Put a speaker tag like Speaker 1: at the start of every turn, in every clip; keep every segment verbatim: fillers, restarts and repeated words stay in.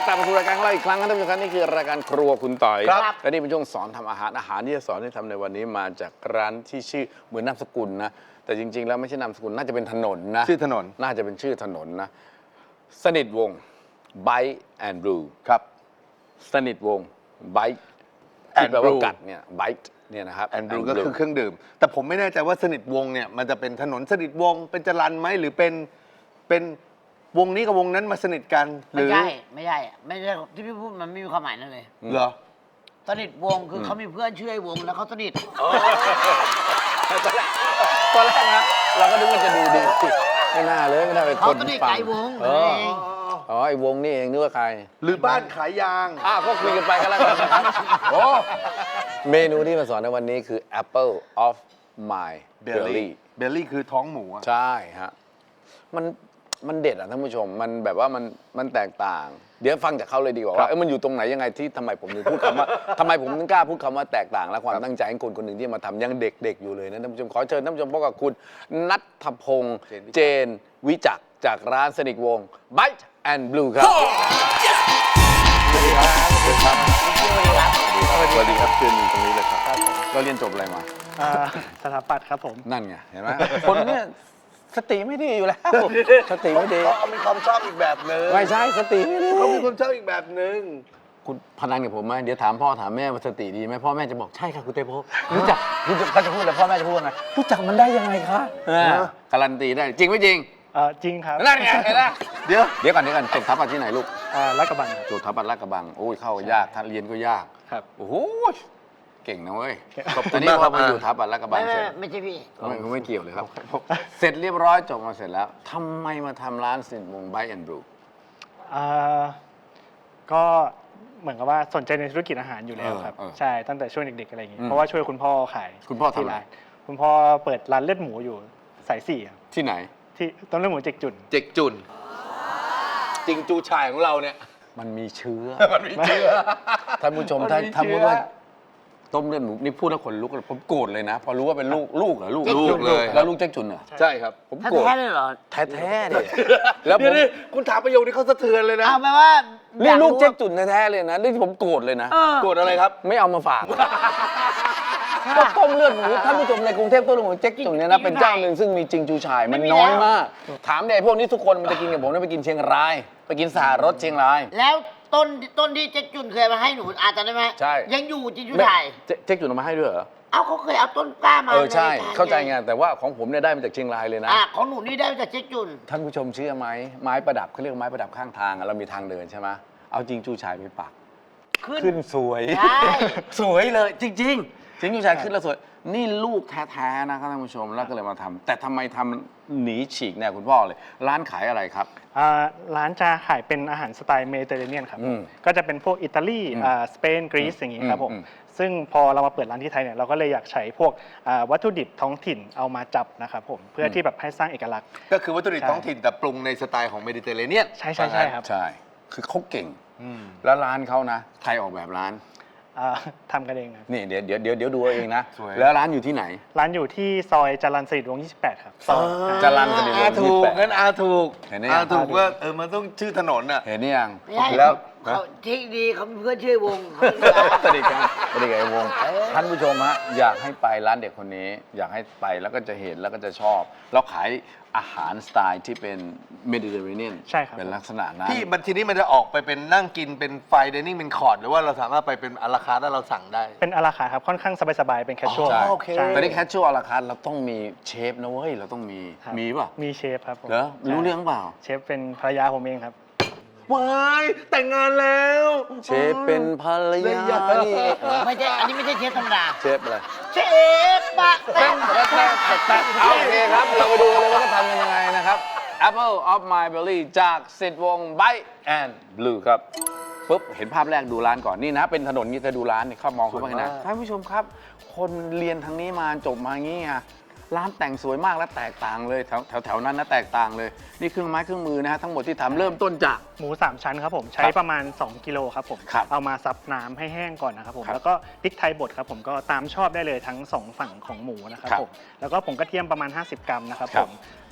Speaker 1: กลับมาสู่รายการของเราอีกครั้งครับท่านผู้ชมครับนี่คือรายการครัวคุณต่อย
Speaker 2: ครับ
Speaker 1: และนี่เป็นช่วงสอนทำอาหารอาหารที่จะสอนให้ทำในวันนี้มาจากร้านที่ชื่อเหมือนนามสกุลนะแต่จริงๆแล้วไม่ใช่นามสกุลน่าจะเป็นถนนนะ
Speaker 2: ชื่อถนน
Speaker 1: น่าจะเป็นชื่อถนนนะสนิทวงศ์ Bite and Brew
Speaker 2: ครับ
Speaker 1: สนิทวงศ์ Bite
Speaker 2: and
Speaker 1: ที่แปลว่า
Speaker 2: Brew
Speaker 1: กัดเนี่ย Bite เนี่ยนะครับ
Speaker 2: แอนดรูก็คือเครื่องดื่ม แต่ผมไม่แน่ใจว่าสนิทวงศ์เนี่ยมันจะเป็นถนนสนิทวงศ์เป็นจรัญไหมหรือเป็นเป็นวงนี้กับวงนั้นมาสนิทกันห
Speaker 3: ไม่
Speaker 2: รือ
Speaker 3: ใช่ไม่ใช่ไม่ใช่ที่พี่พูดมันไม่มีความหมายนั่นเลย
Speaker 2: เหรอ
Speaker 3: สนิทวงคือเขามีเพื่อนชื่อไอ้วงแล้วเขาสนิท
Speaker 1: ตอนแรกนะเราก็นึกว่าจะดูดีไม่น่าเลยไม่น่าเป็น
Speaker 3: เขา
Speaker 1: คน
Speaker 3: สนิท
Speaker 1: ฟั
Speaker 3: กับ
Speaker 1: ง
Speaker 3: ไอ้วง
Speaker 1: เอ
Speaker 3: นั่น
Speaker 1: อ
Speaker 3: เอง
Speaker 1: อ๋อไอ้วงนี่เองนึกว่าใคร
Speaker 2: หรือบ้านขายยาง
Speaker 1: อ่ะก็คุยกันไปกันแล้วกันนะครับโอ้เมนูที่มาสอนในวันนี้คือ Apple of my
Speaker 2: เบล
Speaker 1: belly
Speaker 2: ลี่เบลลี่คือท้องหมูอะ
Speaker 1: ใช่ฮะมันมันเด็ดอ่ะท่านผู้ชมมันแบบว่ามันมันแตกต่าง เดี๋ยวฟังจากเขาเลยดีกว่าว่าเอ้ยมันอยู่ตรงไหนยังไงที่ทำไมผมถึงพูดคำว่าทำไมผมถึงกล้าพูดคำว่าแตกต่าง และความตั้งใจของคนคนหนึ่งที่มาทำยังเด็กๆอยู่เลยนะท่านผู้ชมขอเชิญท่านผู้ชมพบกับคุณณัฐพงษ์เจนวิจักรจากร้านสนิทวงศ์ Bite and Brew ครับ สวัสดีครับ สวัสดีครับ สวัสดีครับเชิญตรงนี้เลยครับเราเรียนจบอะไรมา
Speaker 4: อ่าสถาปัตย์ครับผม
Speaker 1: นั่นไง เห็นไหม คนเนี่ยสติไม่ดีอยู่แล้ว สติไม่ดี
Speaker 2: เขามีความชอบอีกแบบหนึง
Speaker 1: ไม่ใช่สติไม่ดี
Speaker 2: เขามีความชอบอีกแบบหนึง
Speaker 1: คุณพนันกับผมไหมเดี๋ยวถามพ่อถามแม่ว่าสติดีไหมพ่อแม่จะบอกใช่ค่ะคุณเตโพรู้จักรู้จักเขาจะพูดแล้วพ่อแม่จะพูดว่าไงรู้จักมันได้ยังไงคะอ่าการันตีได้จริงไม่จริง
Speaker 4: เอ่อจริงครับ
Speaker 1: นั่นไงเห็นไหม
Speaker 2: เดี๋ยว
Speaker 1: เดี๋ยวก่อนเดี๋ยวก่อนจบทัพปัดที่ไหนลูก
Speaker 4: อ่าลาดกระบังครับ
Speaker 1: จบทัพปัดลาดกระบังโอ้ยเข้ายากท่านเรียนก็ยาก
Speaker 4: ครับ
Speaker 1: โอ้โหเก่งนะเว้ย
Speaker 2: ขอบคุ
Speaker 1: ตอน
Speaker 2: ณ
Speaker 1: นี้
Speaker 2: มาก
Speaker 1: พ
Speaker 2: ครั
Speaker 1: อบ มาอยู่ทัพปัดลาดกระบั
Speaker 3: ไม่
Speaker 1: ง
Speaker 3: ไม่
Speaker 1: เสร็จ
Speaker 3: ไม่ใช่พี่
Speaker 1: ไม่ไม่เกี่ยวเลยครับ เสร็จเรียบร้อยจบมาเสร็จแล้วทำไมมาทำร้านสินวง Bite and Brew
Speaker 4: อ่าก็เหมือนกับว่าสนใจในธุรกิจอาหารอยู่แล้วครับ
Speaker 1: เออเออ
Speaker 4: ใช่ตั้งแต่ช่วงเด็กๆอะไรอย่างงี้
Speaker 1: อืม
Speaker 4: เพราะว่าช่วยคุณพ่อขาย
Speaker 1: คุณพ่อทำ
Speaker 4: ที่
Speaker 1: อะไร
Speaker 4: ร้านคุณพ่อเปิดร้านเลือดหมูอยู่สายสี่ครับ
Speaker 1: ที่ไหน
Speaker 4: ที่ต้มเลือดหมูเจ็กจุ่น
Speaker 2: เจ็กจุนจริงจูชายของเราเนี่ย
Speaker 1: มันมีเชื้อ
Speaker 2: มันมีเชื้อ
Speaker 1: ท่านผู้ชม
Speaker 2: มัน
Speaker 1: ถ้า
Speaker 2: มี
Speaker 1: ถ้า
Speaker 2: เชื้
Speaker 1: พู
Speaker 2: อ
Speaker 1: ดว่าต้มเลือดหมูนี่พูดแล้วขนลุกเลยผมโกรธเลยนะ พอรู้ว่าเป็นลูกลูกเหรอลูก
Speaker 2: ลูกเลย
Speaker 1: แล้วลูกแจ็คจุนเหรอ
Speaker 2: ใช่ครับ
Speaker 1: ผม
Speaker 3: ถ้า
Speaker 1: โกรธ
Speaker 3: แท้เลยเหรอ
Speaker 1: แท้ๆเนี่ยแล้วผ
Speaker 2: เดี๋ยว
Speaker 1: ม
Speaker 2: นี่คุณถามประโยคนี้เขาสะเทือนเลยนะ
Speaker 3: เอาแปลว่า
Speaker 1: นี่
Speaker 3: อยา
Speaker 1: ลูก
Speaker 3: รู้
Speaker 1: แจ็คจุนแท้ๆเลยนะนี่ผมโกรธเลยนะ
Speaker 3: เออ
Speaker 2: โกรธอะไรครับ
Speaker 1: ไม่เอามาฝากก็ต้มเลือดหมูท่านผู้ชมในกรุงเทพต้มเลือดหมูแจ็คจุนเนี่ยนะเป็นเจ้าหนึ่งซึ่งมีจริงจูชายมันน้อยมาก ถามเนี่ยไอ้พวกนี้ทุกคนมันจะกินกับผมเนี่ยไปกินเชียงราย ไปกินสหรสเชียงราย
Speaker 3: แล้วต้นต้นที่เจ๊จุนเคยมาให้หนูอาจจะได้ไหม
Speaker 1: ใช่
Speaker 3: ยังอยู่จริงจุไทย
Speaker 1: เจ๊เจ๊กจุนเอามาให้ด้วยเหรอ
Speaker 3: เอ้าเขาเคยเอาต้นกล้ามา
Speaker 1: เออใช่
Speaker 3: นรยกร
Speaker 1: เข้าใจไงแต่ว่าของผมเนี่ยได้มาจากเชียงรายเลยนะ
Speaker 3: อ่ะของหนูนี่ได้มาจากเจ๊จุน
Speaker 1: ท่านผู้ชมเชื่อไหมไม้ประดับเขาเรียกไม้ประดับข้างทางอะเรามีทางเดินใช่ไหมเอาจริงจูชายไปปัก
Speaker 3: ขึ้น
Speaker 1: ขึ้นสวย
Speaker 3: ใช่
Speaker 1: สวยเลยจริงๆจริงจูชายขึ้นแล้วสวย นี่ลูกแท้ๆนะครับท่านผู้ชมแล้วก็เลยมาทำแต่ทำไมทำหนีฉีกแนวคุณพ่อเลย ร้านขายอะไรครับ
Speaker 4: อ่าร้านจะขายเป็นอาหารสไตล์เมดิเตอร์เรเนียนครับ
Speaker 1: อืม
Speaker 4: ก็จะเป็นพวกอิตาลี
Speaker 1: อืม
Speaker 4: อ่าสเปนกรีซอย่างงี้ครับผม
Speaker 1: อืม
Speaker 4: ซึ่งพอเรามาเปิดร้านที่ไทยเนี่ยเราก็เลยอยากใช้พวกอ่าวัตถุดิบท้องถิ่นเอามาจับนะครับผมเพื่อที่แบบให้สร้างเอกลักษณ์
Speaker 2: ก็คือวัตถุดิบ
Speaker 4: ใช่
Speaker 2: ท้องถิ่นแต่ปรุงในสไตล์ของเมดิเตอร์เรเนียน
Speaker 4: ใช่ใช่ใช่ครับ
Speaker 1: ใช่ คือเขาเก่ง
Speaker 2: อืม
Speaker 1: แล้วร้านเขานะใครออกแบบร้าน
Speaker 4: อ่าทำกันเองครับ
Speaker 1: นี่เดี๋ยวเดี๋ยวเดี๋ยวเดี๋ยวดูเอาเองนะ
Speaker 2: สวย
Speaker 1: แล้วร้านอยู่ที่ไหน
Speaker 4: ร้านอยู่ที่ซอยจรัญสนิทวงศ์ยี่สิบแปดครับซอย
Speaker 1: จรัญสนิทวงศ์
Speaker 2: อาถูกงั้นอาถูก
Speaker 1: เห็นไหม
Speaker 2: อาถูกว่าเออมันต้องชื่อถนนอ่ะ
Speaker 1: เห็นนี่ยัง
Speaker 3: ไม่ใช่
Speaker 1: แล้ว
Speaker 3: เขาที่ดีเขามีเพื่อนชื่อไอ้วงเขามีร้าน
Speaker 1: สนิทกันสนิทกับไอ้วง
Speaker 3: เออ
Speaker 1: ท่านผู้ชมฮะอยากให้ไปร้านเด็กคนนี้ อยากให้ไปแล้วก็จะเห็นแล้วก็จะชอบเราขายอาหารสไตล์ที่เป็นเมดิเตอร์เรเนียน
Speaker 4: ใช่ครับ
Speaker 1: เป็นลักษณะนั้น
Speaker 2: พี่มันทีนี้มันจะออกไปเป็นนั่งกินเป็นไฟเดนิ่งเป็นคอร์ดหรือว่าเราสามารถไปเป็นอาราคาร์ทแล้วเราสั่งได้
Speaker 4: เป็นอาราคาร์ทครับค่อนข้างสบายๆเป็นแคชชวล
Speaker 1: ใช่
Speaker 2: โอเค
Speaker 1: แต่นี่แคชชวลอาราคาร์ทเราต้องมีเชฟนะเว้ยเราต้องมี
Speaker 4: ครับ
Speaker 1: มีป่ะ
Speaker 4: มีเชฟครับผม
Speaker 1: เหรอรู้เรื่องเปล่า
Speaker 4: เชฟเป็นภรรยาผมเองครับ
Speaker 2: ว้ายแต่งงานแล้ว
Speaker 1: เชฟเป็นภรรยานี่เอง
Speaker 3: ไม่ใช่อันนี้ไม่ใช่เชฟธรรมดา
Speaker 1: เชฟอะไร
Speaker 3: เชฟปะแป้ง
Speaker 1: เอาโอเคครับ เราไปดูกันเลยว่าเขาทำกันยังไงนะครับ Apple of my belly จากสิทธิ์วงศ์ Bite and Brew ครับปุ๊บเห็นภาพแรกดูร้านก่อนนี่นะ เป็นถนนนี่จะดูร้านนี่เข้ามองเข้าไปนะท่านผู้ชมครับ คนเรียนทางนี้มาจบมาอย่างนี้ไงร้านแต่งสวยมากและแตกต่างเลยแถวแถวแถวนั้นนะแตกต่างเลย นี่เครื่องไม้เครื่องมือนะฮะทั้งหมดที่ทำเริ่มต้นจาก
Speaker 4: หมูสามชั้นครับผมใช้ประมาณสองกิโลครับผม
Speaker 1: ครับ
Speaker 4: เอามาซับน้ำให้แห้งก่อนนะครับผม
Speaker 1: ครับ
Speaker 4: แล้วก็พริกไทยบดครับผมก็ตามชอบได้เลยทั้งสองฝั่งของหมูนะครับ
Speaker 1: ครับ
Speaker 4: ผมแล้วก็ผงกระเทียมประมาณห้าสิบกรัมนะครับ
Speaker 1: ครั
Speaker 4: ผ
Speaker 1: บ
Speaker 4: ม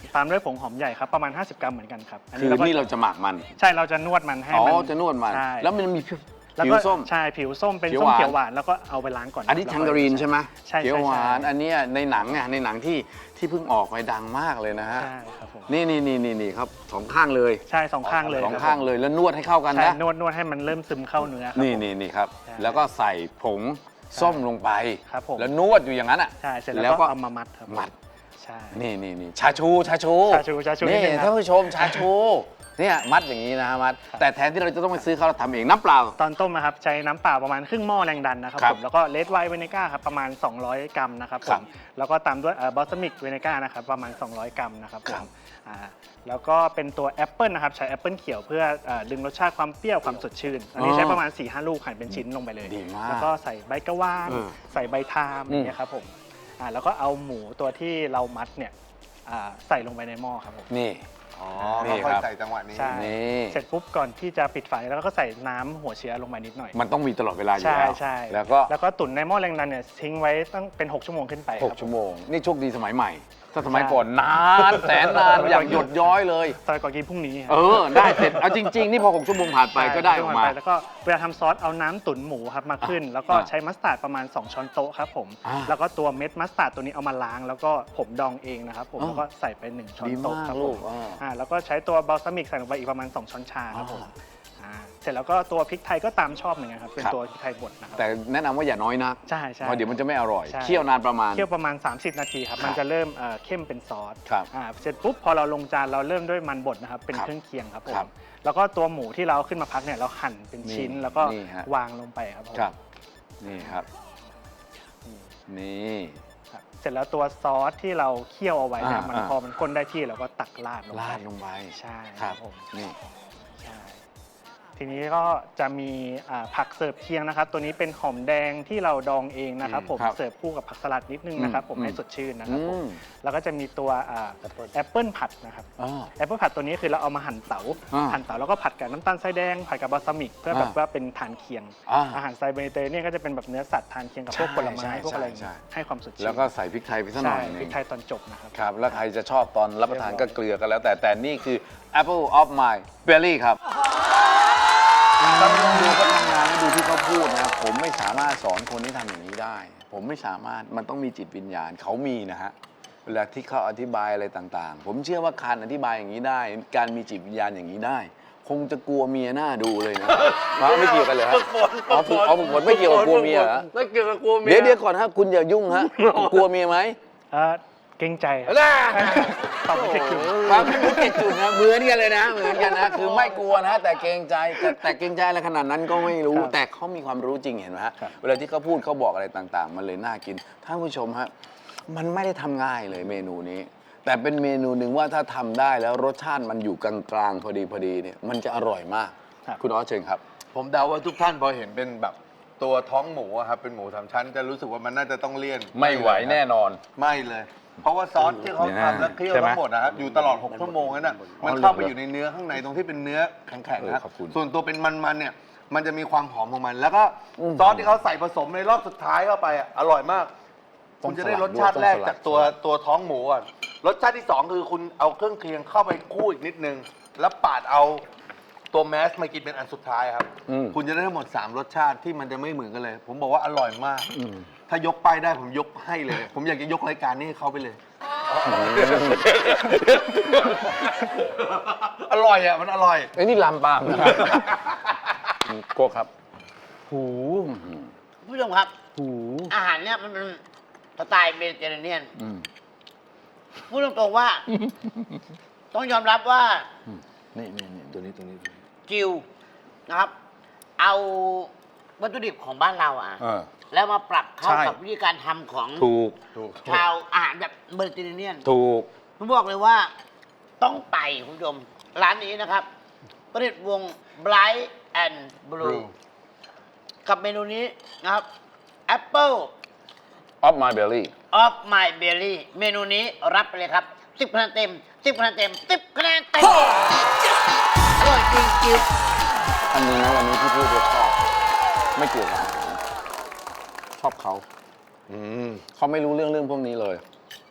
Speaker 4: ตามด้วยผงหอมใหญ่ครับประมาณ ห้าสิบ กรัมเหมือนกันครับ
Speaker 1: คือ
Speaker 4: ก็
Speaker 1: นี่เราจะหมักมัน
Speaker 4: ใช่เราจะนวดมันให้
Speaker 1: อ๋อ
Speaker 4: มัน
Speaker 1: จะนวดมัน
Speaker 4: ใช่
Speaker 1: แล้วมันมี
Speaker 4: แล้ว
Speaker 1: ผิ
Speaker 4: ก็
Speaker 1: วส้ม
Speaker 4: ใช่ผิวส้มเป็น
Speaker 1: เขียว
Speaker 4: ส้ม
Speaker 1: หวาน
Speaker 4: เขียวหวานแล้วก็เอาไปล้างก่อน
Speaker 1: อันนี้
Speaker 4: แล้ว
Speaker 1: ทั
Speaker 4: ก็
Speaker 1: งการีนใช่ไหม
Speaker 4: ใช่
Speaker 1: เขียวหวาน
Speaker 4: ใช่
Speaker 1: อันเนี้ยในหนังอ่ะในหนังที่ที่เพิ่งออกไปดังมากเลยนะฮะ
Speaker 4: ใช่ครับผม
Speaker 1: นี่นี่นี่นี่นี่ครับสองข้างเลย
Speaker 4: ใช่สองข้างเลย
Speaker 1: สอง
Speaker 4: ครับ
Speaker 1: ข้างเลยแล้วนวดให้เข้ากัน
Speaker 4: ใช่
Speaker 1: นะ
Speaker 4: นวดนวดให้มันเริ่มซึมเข้าเนื้อครับ
Speaker 1: นี่
Speaker 4: ผม
Speaker 1: นี่นี่ครับ
Speaker 4: ใช่
Speaker 1: แล้วก็ใส่ผงส้มลงไป
Speaker 4: ครับผม
Speaker 1: แล้วนวดอยู่อย่างนั้นอ่ะ
Speaker 4: ใช่เสร็จ
Speaker 1: แล้
Speaker 4: แล้ว ว
Speaker 1: ก็
Speaker 4: ก็เอามามัดครับ
Speaker 1: มัด
Speaker 4: ใช่
Speaker 1: นี่นี่นี่ชาชูชาชู
Speaker 4: ชาชูชาชูนิ
Speaker 1: นี่
Speaker 4: ดนึงครับ
Speaker 1: ท่านผู้ชมชาชูเนี่ยมัดอย่างนี้นะฮะมัดแต่แทนที่เราจะต้องไปซื้อเขาเราทำเองน้ำเปล่า
Speaker 4: ตอนต้มนะครับใช้น้ำเปล่าประมาณครึ่งหม้อแรงดันนะครับ
Speaker 1: ครับ
Speaker 4: ผมแล้วก็เลดไวน์เวเนก้าครับประมาณ สองร้อยกรัมนะครับผ
Speaker 1: ครับ
Speaker 4: มแล้วก็ตามด้วยบอสมิกเวเนก้านะครับประมาณ สองร้อยกรัมนะครับผ
Speaker 1: ครั
Speaker 4: ม
Speaker 1: บ
Speaker 4: อ่าแล้วก็เป็นตัวแอปเปิลนะครับใช้แอปเปิลเขียวเพื่อเอ่อดึงรสชาติความเปรี้ยวความสดชื่นอันนี้ใช้ประมาณ สี่ห้า ลูกหั่นเป็นชิ้นลงไปเลย
Speaker 1: ดีมาก
Speaker 4: แล้วก็ใส่ใบกะวาน
Speaker 1: เออ
Speaker 4: ใส่ใบทามอย่างเงี้ยครับผมอ่าแล้วก็เอาหมูตัวที่เรามัดเนี่ยอ่าใส่ลงไปในหม้อครับผม
Speaker 1: นี่
Speaker 2: อ๋อ
Speaker 1: นี่
Speaker 2: ค่อย
Speaker 1: ครับ
Speaker 2: ๆใส่จังหวะนี้
Speaker 4: ใช่
Speaker 1: นี่
Speaker 4: เสร็จปุ๊บก่อนที่จะปิดไฟแล้วก็ใส่น้ำหัวเชื้อลงไปนิดหน่อย
Speaker 1: มันต้องมีตลอดเวลาอยู่
Speaker 4: ใช่
Speaker 1: แล้ว
Speaker 4: ใช่
Speaker 1: แล้วก็
Speaker 4: แล้วก็ตุ๋นในหม้อแรงดันเนี่ยทิ้งไว้ตั้งเป็นหกชั่วโมงขึ้นไป
Speaker 1: หก
Speaker 4: ครับ
Speaker 1: ชั่วโมง นี่โชคดีสมัยใหม่ ถ้าสมัย
Speaker 4: ใช่
Speaker 1: ก่อนนานแสนนานอย่างหยดย้อยเลย
Speaker 4: ซอยก่อนกินพรุ่งนี้ครับ
Speaker 1: เออ ได้เสร็จ เอาจริง ๆ นี่พอหกชั่วโมงผ่านไป
Speaker 4: ใช่
Speaker 1: ก็ได้ออกมา
Speaker 4: ไปแล้วก็เวลาทำซอสเอาน้ำตุ๋นหมูครับมาขึ้น แล้วก็
Speaker 1: อ่า
Speaker 4: ใช้มัสตาร์ดประมาณ สอง ช้อนโต๊ะครับผม
Speaker 1: อ่า
Speaker 4: แล้วก็ตัวเม็ดมัสตาร์ดตัวนี้เอามาล้าง แล้วก็ผมดองเองนะครับผม
Speaker 1: อ่า
Speaker 4: แล้วก็ใส่ไปหนึ่งช้อน
Speaker 1: ดี
Speaker 4: โต๊ะ
Speaker 1: มาก
Speaker 4: ครับ
Speaker 1: ลู
Speaker 4: ผ
Speaker 1: ก
Speaker 4: ม
Speaker 1: อ่า
Speaker 4: อ่าแล้วก็ใช้ตัวบอลซามิกใส่ลงไปอีกประมาณ สอง ช้อนชาครับผม
Speaker 1: อ่า
Speaker 4: อ่าเสร็จแล้วก็ตัวพริกไทยก็ตามชอบเหมือนกันครับเป็น
Speaker 1: ครับ
Speaker 4: ตัวพริกไทยบดนะครับ
Speaker 1: แต่แนะนำว่าอย่าน้อยนัก
Speaker 4: ใช่ใช่
Speaker 1: เพราะเดี๋ยวมันจะไม่อร่อย
Speaker 4: ใช่
Speaker 1: เคี่ยวนานประมาณ
Speaker 4: เคี่ยวประมาณ สามสิบ นาทีครับ
Speaker 1: ครับ
Speaker 4: มันจะเริ่มเอ่อเข้มเป็นซอส
Speaker 1: ครับ
Speaker 4: อ่าเสร็จปุ๊บ พอเราลงจานเราเริ่มด้วยมันบดนะครับ เป็น
Speaker 1: ครับ
Speaker 4: เครื่องเคียงครับผม
Speaker 1: ครับ
Speaker 4: แล้วก็ตัวหมูที่เราขึ้นมาพักเนี่ยเราหั่นเป็นชิ้น
Speaker 1: นี่
Speaker 4: แล้วก็
Speaker 1: นี่ฮะ
Speaker 4: วางลงไปครับผม
Speaker 1: ครับ นี่ครับ นี่
Speaker 4: ครับ เสร็จแล้วตัวซอสที่เราเคี่ยวเอาไว้เนี่ย
Speaker 1: อ่า
Speaker 4: มัน
Speaker 1: อ่า
Speaker 4: พอมันข้นได้ที่เราก็ตักราดลงไป
Speaker 1: ราดลงไป
Speaker 4: ใช่
Speaker 1: ค
Speaker 4: ค
Speaker 1: รั
Speaker 4: รั
Speaker 1: บบ
Speaker 4: ผม
Speaker 1: นี่
Speaker 4: ใช่ ทีนี้ก็จะมีอ่าผักเสิร์ฟเคียงนะครับ ตัวนี้เป็นหอมแดงที่เราดองเองนะครับผม
Speaker 1: ครับ
Speaker 4: เสิร์ฟคู่กับผักสลัดนิดนึงนะครับผม
Speaker 1: อืม
Speaker 4: ให้สดชื่นนะครับผม
Speaker 1: อืม
Speaker 4: แล้วก็จะมีตัวอ่าแอปเปิลผัดนะครับ
Speaker 1: อ๋อ
Speaker 4: แอปเปิลผัดตัวนี้คือเราเอามาหั่นเต๋า
Speaker 1: อ่า
Speaker 4: หั่นเต๋าแล้วก็ผัดกับน้ำตาลทรายแดงผัดกับบาซามิก เพื่อแบบ
Speaker 1: อ่า
Speaker 4: ว่าเป็นทานเคียง
Speaker 1: อ่า
Speaker 4: อาหารสไตล์เมดิเตอร์เรเนียนก็จะเป็นแบบเนื้อสัตว์ทานเคียงกับพวก
Speaker 1: ใช่
Speaker 4: ผลไม้
Speaker 1: ใช่
Speaker 4: พวกอะไร
Speaker 1: ใช่
Speaker 4: ให้ความสดชื่น
Speaker 1: แล้วก็ใส่พริกไทยไปสักหน่
Speaker 4: ใช่
Speaker 1: อยหนึ
Speaker 4: พริก
Speaker 1: ง
Speaker 4: ไทยตอนจบนะครับ
Speaker 1: ครับ แล้วใครจะชอบตอนรับประทานก็เกลือกันแล้ว แต่แต่นี่คือ Apple of my belly ครับต้องดูเขาทำงานให้ดูที่เขาพูดนะ ผมไม่สามารถสอนคนที่ทำอย่างนี้ได้ ผมไม่สามารถ มันต้องมีจิตวิญญาณ เขามีนะฮะ เวลาที่เขาอธิบายอะไรต่างๆ ผมเชื่อว่าการอธิบายอย่างนี้ได้ การมีจิตวิญญาณอย่างนี้ได้ คงจะกลัวเมียหน้าดูเลยนะมาไม่เกี่ยวกันเลยฮะอ๋อฝึกอ๋อฝึกฝนไม่เกี่ยวกับกลัวเมียเหรอ
Speaker 2: ไม่เกี่ยวกับกลัวเมีย
Speaker 1: เดี๋ยวเดี๋ยวก่อนฮะ คุณอย่ายุ่งฮะ กลัวเมียไหม
Speaker 4: เอ่อเกรงใจครับ
Speaker 2: น่า
Speaker 4: ตอบไม่ถูก
Speaker 1: ความไม่รู้เจ็ดจุดนะเหมือนกันเลยนะเหมือนกันนะคือไม่กลัวนะแต่เกรงใจแต่แต่เกรงใจอะไรขนาดนั้นก็ไม่รู้
Speaker 4: ครับ
Speaker 1: แต่เขามีความรู้จริงเห็นไหมฮะ
Speaker 4: ครับ
Speaker 1: เวลาที่เขาพูดเขาบอกอะไรต่างๆ มันเลยน่ากินท่านผู้ชมฮะมันไม่ได้ทำง่ายเลยเมนูนี้ แต่เป็นเมนูหนึ่งว่าถ้าทำได้แล้วรสชาติมันอยู่กลางๆพอดีพอดีเนี่ยมันจะอร่อยมาก
Speaker 4: ครับ
Speaker 1: คุณออสเชิญครับ
Speaker 2: ผมเดาว่าทุกท่านพอเห็นเป็นแบบตัวท้องหมูอะครับเป็นหมูสามชั้นจะรู้สึกว่ามันน่าจะต้องเลี่ยน
Speaker 1: ไม่ไหวแน่นอน
Speaker 2: ไม่เลย เพราะว่าซอสที่เขา
Speaker 1: เดี๋ยวนะ
Speaker 2: ทำและเคี่ยว
Speaker 1: ใช่ไหม
Speaker 2: ทั้งหมดนะครับอยู่ตลอดหกชั่วโมงนั่นน่ะมันเข้าไปอยู่ในเนื้อข้างในตรงที่เป็นเนื้อแข็งๆนะ
Speaker 1: เออขอบคุณ
Speaker 2: ส่วนตัวเป็นมันๆเนี่ยมันจะมีความหอมของมัน แล้วก็
Speaker 1: อืม
Speaker 2: ซอสที่เขาใส่ผสมในรอบสุดท้ายเข้าไปอะอร่อยมาก
Speaker 1: ต้อ
Speaker 2: คุ
Speaker 1: ง
Speaker 2: ณจะได้
Speaker 1: สลั
Speaker 2: ร
Speaker 1: ด
Speaker 2: สชาติ
Speaker 1: ด้วย
Speaker 2: แรก
Speaker 1: ต้องสลัด
Speaker 2: จากตัวตัวท้องหมูก่อนรสชาติที่สองคือคุณเอาเครื่องเคียงเข้าไปคู่อีกนิดนึงแล้วปาดเอาตัวแมสมากินเป็นอันสุดท้ายครับ
Speaker 1: อืม
Speaker 2: คุณจะได้ทั้งหมดสามรสชาติที่มันจะไม่เหมือนกันเลย ผมบอกว่าอร่อยมาก
Speaker 1: อืม
Speaker 2: ถ้ายกป้ายได้ผมยกให้เลย ผมอยากจะยกรายการนี้ให้เขาไปเลย อร่อยอ่ะ มันอร่อย
Speaker 1: ไอ้ยนี่ลำปางนะครับโกครับหู
Speaker 3: คุณผู้ชมครับ
Speaker 1: หู
Speaker 3: อาหารเนี่ยมันเป็นสไตล์เมดิเตอร์เรเนียน
Speaker 1: อืม
Speaker 3: พูดตรงๆว่า ต้องยอมรับว่า
Speaker 1: นี่นี่นี่ตัวนี้ตัวนี้ตัวนี้
Speaker 3: จิวนะครับ เอาวัตถุดิบของบ้านเราอ่ะ
Speaker 1: เออ
Speaker 3: แล้วมาปรับเข้า
Speaker 1: ใช่
Speaker 3: กับวิธีการทำของ
Speaker 1: ถูก
Speaker 3: ชาวอาหารแบบเมดิเตอร์เรเนียน
Speaker 1: ถูก
Speaker 3: ผมบอกเลยว่าต้องไปคุณผู้ชม ร้านนี้นะครับประดิษฐ์วง Bright and Blue
Speaker 2: Blue
Speaker 3: กับเมนูนี้นะครับ Apple
Speaker 1: of my belly
Speaker 3: of my belly เมนูนี้รับไปเลยครับ สิบคะแนนเต็ม สิบคะแนนเต็ม สิบคะแนนเต็มอร่อยจริงจิว
Speaker 1: อันนี้นะวันนี้ที่พูดว่าชอบ ไม่เกี่ยวกับอาหารชอบเขา
Speaker 2: อืม
Speaker 1: เขาไม่รู้เรื่องเรื่องพวกนี้เลย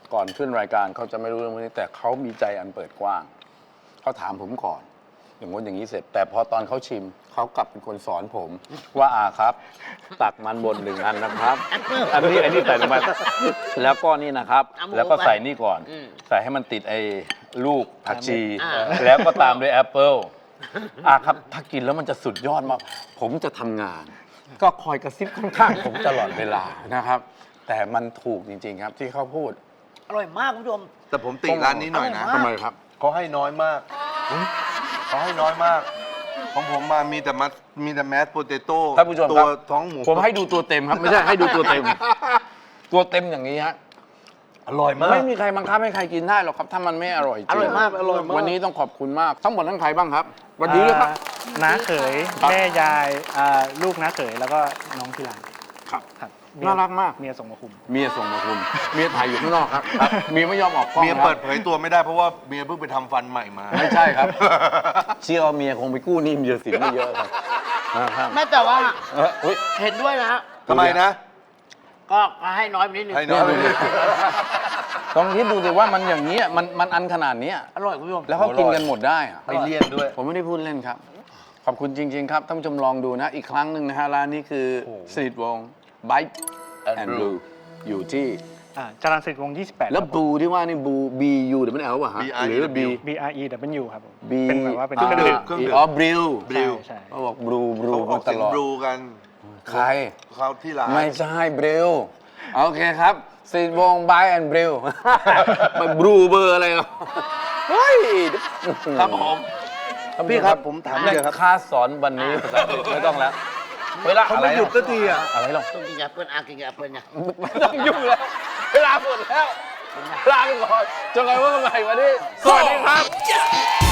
Speaker 1: ก่อนขึ้นรายการเขาจะไม่รู้เรื่องพวกนี้แต่เขามีใจอันเปิดกว้างเขาถามผมก่อน อย่างงี้นอย่างนี้เสร็จ แต่พอตอนเขาชิมเขากลับเป็นคนสอนผม ว่าอาครับ ตักมันบนหนึ่งอันนะครับ อันนี้อันนี้ใส่ลงไปแล้วก็นี่นะครับ
Speaker 3: เอาหมู
Speaker 1: แล้วก็ใส่นี่ก่อน
Speaker 3: อืม
Speaker 1: ใส่ให้มันติดไอ้ลูกผักชี
Speaker 3: อ่า
Speaker 1: แล้วก็ตามด้วยแอปเปิลอาครับ ถ้ากินแล้วมันจะสุดยอดมาก ผมจะทำงาน ก็คอยกระซิบข้างๆผมตลอดเวลานะครับ แต่มันถูกจริงๆครับที่เขาพูด
Speaker 3: อร่อยมากคุณผู้ชม
Speaker 2: แต่ผมติร้านนี้หน่อยนะ
Speaker 3: อร่อยมาก
Speaker 1: ทำไมครับ
Speaker 2: เขาให้น้อยมากเขาให้น้อยมาก ของผมมามีแต่มัสมีแต่แมสโปเตโต้
Speaker 1: ท่านผู้ชม
Speaker 2: ตั
Speaker 1: คว รับ
Speaker 2: ท้องหมู
Speaker 1: ผมให้ดูตัวเต็มครับ ไม่ใช่ให้ดูตัวเต็ม ตัวเต็มอย่างนี้ฮะ
Speaker 2: อร่อยมาก
Speaker 1: ไม่มีใครบังคับให้ใครกินได้หรอกครับ ถ้ามันไม่อร่อยจริง
Speaker 3: อร่อยมาก
Speaker 2: อร่อยมาก
Speaker 1: วันนี้ต้องขอบคุณมาก ทั้งหมดทั้งใครบ้างครับสวันนี้เลยครับ
Speaker 4: อ่าน้าเขย
Speaker 1: ครับ
Speaker 4: แม่ยายอ่าลูกน้าเขยแล้วก็น้องที่ร้าน
Speaker 1: ครับ
Speaker 4: ครับ
Speaker 1: น่ารักมาก
Speaker 4: เมียส่งมาคุม
Speaker 1: เมียส่งมาคุณเมียถ่ายอยู่ข้างนอกครับเมียไม่ยอมออกกล้อง
Speaker 2: เมีย
Speaker 1: ครับ
Speaker 2: เปิดเผยตัวไม่ได้เพราะว่าเมียเพิ่งไปทำฟันใหม่มา
Speaker 1: ไม่ใช่ครับ เชื่อว่าเมียคงไปกู้หนี้เมียสินไม่เยอะครับนะครับ
Speaker 3: แม่แต่ว่า
Speaker 1: เอออุ๊ย
Speaker 3: เห็นด้วยนะฮะ
Speaker 2: ทำไมนะ
Speaker 3: ก็ให้น้อยไปนิดนึง
Speaker 2: ให้น้อยไปนิดนึง
Speaker 1: ลองคิดดูสิว่ามันอย่างนี้ยมันมันอันขนาดเนี้ย
Speaker 3: อร่อยคุณผู้ชม
Speaker 1: แล้วเขากินกันหมดได้อะ
Speaker 2: ไม่เลี่ยนด้วย
Speaker 1: ผมไม่ได้พูดเล่นครับ ขอบคุณจริง ๆ ครับท่านผู้ชมลองดูนะ อีกครั้งหนึ่งนะฮะร้านนี้คือ
Speaker 2: โอ้โห
Speaker 1: สนิทวง Bite and Brew อยู่ที่
Speaker 4: อ่าจรัญสนิทวงศ์ยี่สิบแปด
Speaker 1: แล้วบูที่ว่านี่บู B U เดี๋ยวมันเอาป่ะฮะ
Speaker 2: B I E
Speaker 1: หรือ B
Speaker 4: B R E W ครับผม
Speaker 1: B
Speaker 4: เป็นแบบว่าเป็น
Speaker 1: อ่
Speaker 4: เครื่องดื่ม
Speaker 2: เครื่องดื่ม
Speaker 1: อ๋อบริว
Speaker 2: บริว
Speaker 4: ใช่
Speaker 1: เขาบอกบรูบรู
Speaker 2: เขาอ
Speaker 1: มา
Speaker 2: อก
Speaker 1: ต
Speaker 2: เสียง
Speaker 1: ลอด
Speaker 2: บลูกัน
Speaker 1: ใคร
Speaker 2: เขาที่ร้าน
Speaker 1: ไม่ใช่บริวโอเคครับสนิทวง Bite and Brew ไปบรูเบอร์อะไรหรอเฮ้ย
Speaker 2: ครับผมพี่ครับผมถามเลยครับ
Speaker 1: ค่าสอนวันนี้ภาษาอังกฤษไม่ต้องแล้วเวลา
Speaker 2: เขา
Speaker 1: อะไร
Speaker 2: ไม่หยุดสักทีอ่ะ
Speaker 1: อะไรหรอ
Speaker 3: ต้องกินกับแอปเปิ้ลอากินกับแอปเปิ้ลเนี่ย
Speaker 1: ไม่ต้องยุ่งแล้ว เวลาหมดแล้ว ลาไปก่อนจนกระทั่งวันใหม่วันนี้ สวัสดีครับ